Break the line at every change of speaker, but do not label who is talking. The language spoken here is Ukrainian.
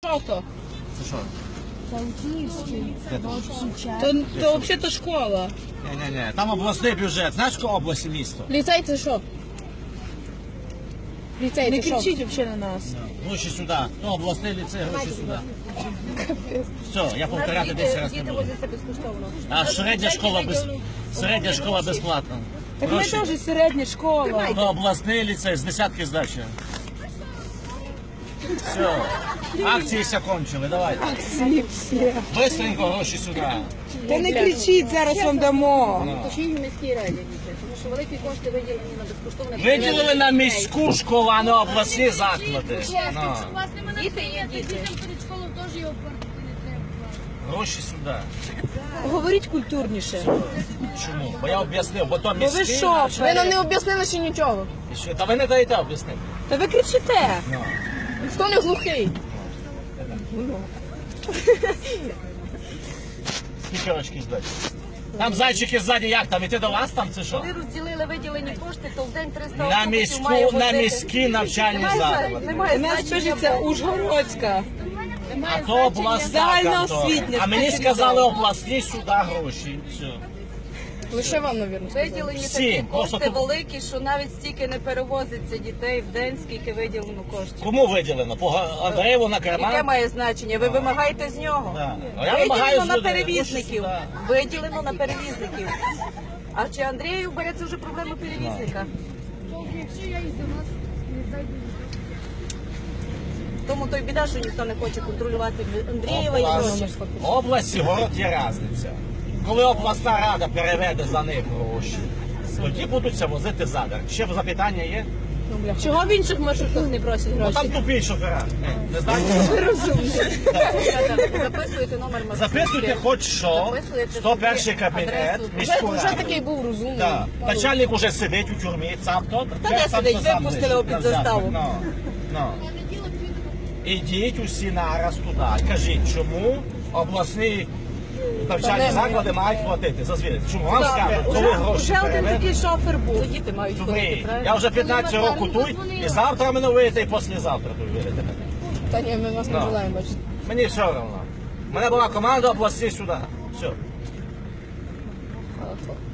Що то?
Це що?
Це Київський.
То взагалі школа.
Ні. Там обласний бюджет. Знаєш, яка область і місто?
Ліцей це що? Ліцей
Не
це що?
кричіть взагалі на нас.
Гроші сюди. Ну, обласний ліцей, гроші сюди. Все, я повторяти 10 разів не буду. А середня школа безплатна.
Так ми
Гроші.
теж середня школа.
Ну, обласний ліцей з десятки здачі. Все, акції все кончили, давайте.
Всі.
Бистренько гроші сюди.
Та не кричіть, зараз вам дамо.
Точіть в міській раді, діти, тому що великі кошти виділені на безкоштовне.
Виділили на міську школу, а не обласні заклади. Ну,
Діти є діти.
Перед школою теж його портити не треба.
гроші сюди.
Говоріть культурніше.
Чому? Бо я об'яснив, бо то
Бо ви
міський.
що?
Ви нам не об'яснили ще нічого.
І що? Та ви не даєте об'яснити.
Та ви кричите.
Ну.
Хто не глухий?
Скільки рочки здати? Там зайчики ззаді, як там? Іти до вас там, це що?
Коли розділили виділені кошти, то в день 300
На
автобусів має
міську, на
возити.
міські навчальні заклади.
Немає
У нас
значення.
пишеться Ужгородська.
А то обласна
Загальноосвітня,
контора. А мені сказали обласні сюди гроші. Все.
Лише вам, мабуть.
Виділені
Всім.
такі
Просто
кошти
тут-
великі, що навіть стільки не перевозиться дітей в день, скільки виділено коштів.
Кому виділено? По Андреєву на
Яке
карман?
має значення? Ви вимагаєте з нього?
Да. А я вимагаю
Виділено
з
на
людей.
перевізників.
Гроші
Виділено на перевізників. А чи Андрію бере, це вже проблема перевізника?
Якщо я із нас не зайду.
Тому то й біда, що ніхто не хоче контролювати Андрієва і
Область,
гроші.
область і город є різниця. Коли обласна рада переведе за них гроші, тоді будуть возити задар. Ще запитання є?
Чого в інших маршрутах не просять
Ну,
гроші?
там тупі шофера. Не знаєте?
Записуєте номер маршрутки.
Записуйте хоч що,
Записуєте
101
собі
кабінет,
адресу.
міську
Вже
раду.
такий був розумний.
Так. Начальник уже сидить у тюрмі, сам хто?
Та де сидить? Випустили його під заставу.
Ну. Ідіть усі нараз туди. Кажіть, чому обласні навчальні заклади мають платити за звідти? Чому вам скажуть, коли гроші
Вже один
переведуть?
такий шофер був. Це діти мають ходити,
Дурний.
правильно?
Я вже 15 років тут, і завтра мене вийде, і післязавтра тут вийде.
Та ні, ми вас не
Ну.
желаємо бачити.
Мені все одно. У мене була команда області сюди. Все.